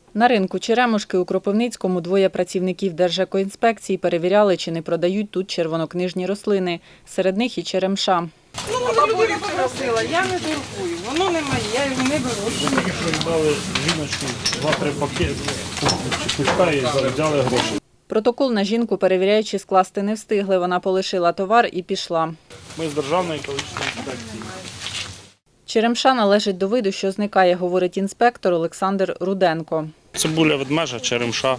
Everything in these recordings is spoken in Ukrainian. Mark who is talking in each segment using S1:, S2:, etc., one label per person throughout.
S1: На ринку Черемушки у Кропивницькому двоє працівників Держекоінспекції перевіряли, чи не продають тут червонокнижні рослини. Серед них і черемша.
S2: Людина попросила, я не торгую, воно не моє, я його не беру.
S3: Тільки що дали жіночку 2-3 пакети, пучка і взяли гроші.
S1: Протокол на жінку перевіряючи скласти не встигли. Вона полишила товар і пішла.
S3: Ми з Державної екологічної інспекції.
S1: Черемша належить до виду, що зникає, говорить інспектор Олександр Руденко.
S3: Цибуля ведмежа, черемша.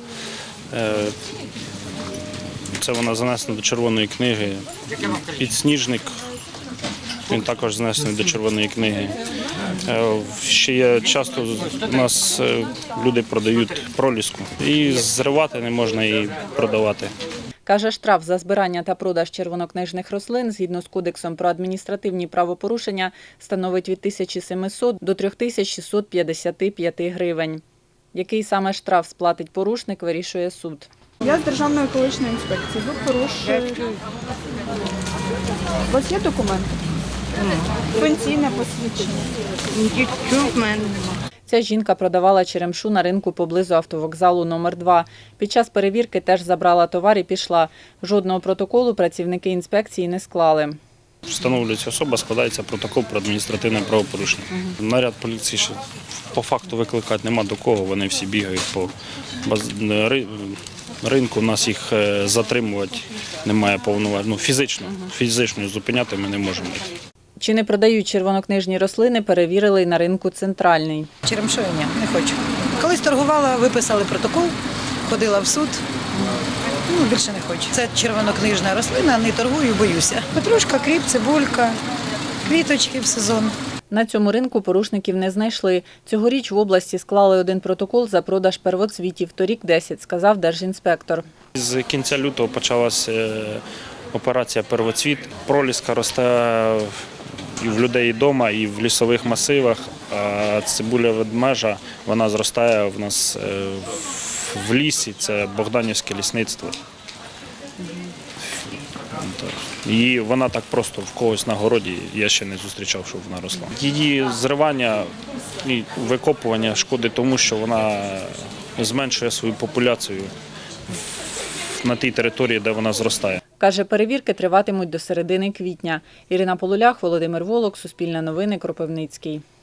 S3: Це вона занесена до Червоної книги. Підсніжник, він також занесений до Червоної книги. Ще є часто у нас люди продають проліску. І зривати не можна, і продавати.
S1: Каже, штраф за збирання та продаж червонокнижних рослин згідно з Кодексом про адміністративні правопорушення становить від 1700 до 3655 гривень. Який саме штраф сплатить порушник, вирішує суд.
S4: Я з Державної екологічної інспекції. Ви порушуєте. У вас є документи? Пенсійне посвідчення.
S2: Нічого в мене немає.
S1: Ця жінка продавала черемшу на ринку поблизу автовокзалу номер 2. Під час перевірки теж забрала товар і пішла. Жодного протоколу працівники інспекції не склали.
S3: Встановлюється особа, складається протокол про адміністративне правопорушення. Наряд поліції ще по факту викликати нема до кого, вони всі бігають по ринку, у нас їх затримувати немає повноважень. Фізично зупиняти ми не можемо.
S1: Чи не продають червонокнижні рослини, перевірили й на ринку «Центральний».
S5: Черемшою ні, не хочу. Колись торгувала, виписали протокол, ходила в суд. Більше не хочу. Це червонокнижна рослина, не торгую, боюся. Петрушка, кріп, цибулька, квіточки в сезон.
S1: На цьому ринку порушників не знайшли. Цьогоріч в області склали один протокол за продаж первоцвітів, торік 10, сказав держінспектор.
S3: З кінця лютого почалася операція «Первоцвіт». Проліска росте і в людей вдома, і в лісових масивах. А цибуля ведмежа, вона зростає в нас в лісі, це Богданівське лісництво. І вона так просто в когось на городі, я ще не зустрічав, щоб вона росла. Її зривання і викопування шкодить тому, що вона зменшує свою популяцію на тій території, де вона зростає.
S1: Каже, перевірки триватимуть до середини квітня. Ірина Полулях, Володимир Волок, Суспільне новини, Кропивницький.